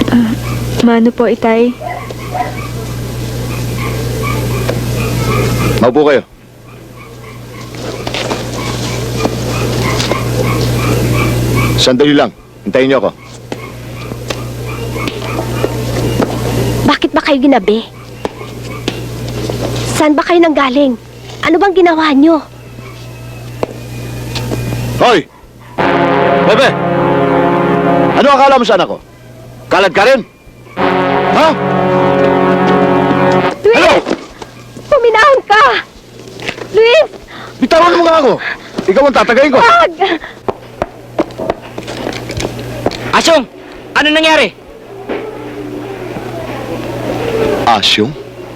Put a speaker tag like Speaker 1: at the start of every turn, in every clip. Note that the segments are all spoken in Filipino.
Speaker 1: Mano po, itay?
Speaker 2: Maupo kayo. Sandali lang. Hintayin niyo ako.
Speaker 3: Bakit ba kayo ginabi? Saan ba kayo nanggaling? Ano bang ginawa nyo?
Speaker 2: Hoy! Bebe! Ano akala mo sa anak ko? Kalad ka rin? Ha?
Speaker 3: Luis!
Speaker 2: Ano?
Speaker 3: Puminahon ka! Luis!
Speaker 2: Bitawan mo nga ako! Ikaw ang tatagayin ko!
Speaker 3: Wag!
Speaker 4: Asyong! Ano nangyari?
Speaker 2: Asyong?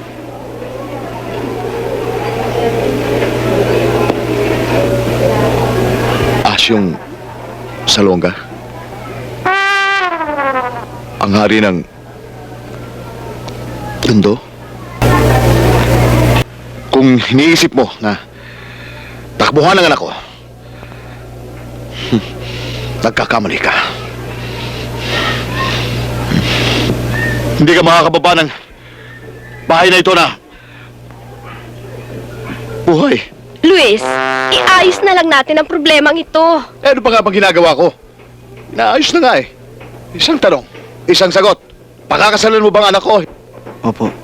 Speaker 2: Asyong Salonga? Ang hari ng Tondo? Kung iniisip mo na takbuhan ang anak ko, nagkakamali ka. Hindi ka makakababa ng bahay na ito na buhay.
Speaker 3: Luis, iayos na lang natin ang problemang ito.
Speaker 2: Eh, ano pa nga bang ginagawa ko? Naayos na nga eh. Isang tanong, isang sagot. Pakakasalan mo bang anak ko?
Speaker 5: Opo.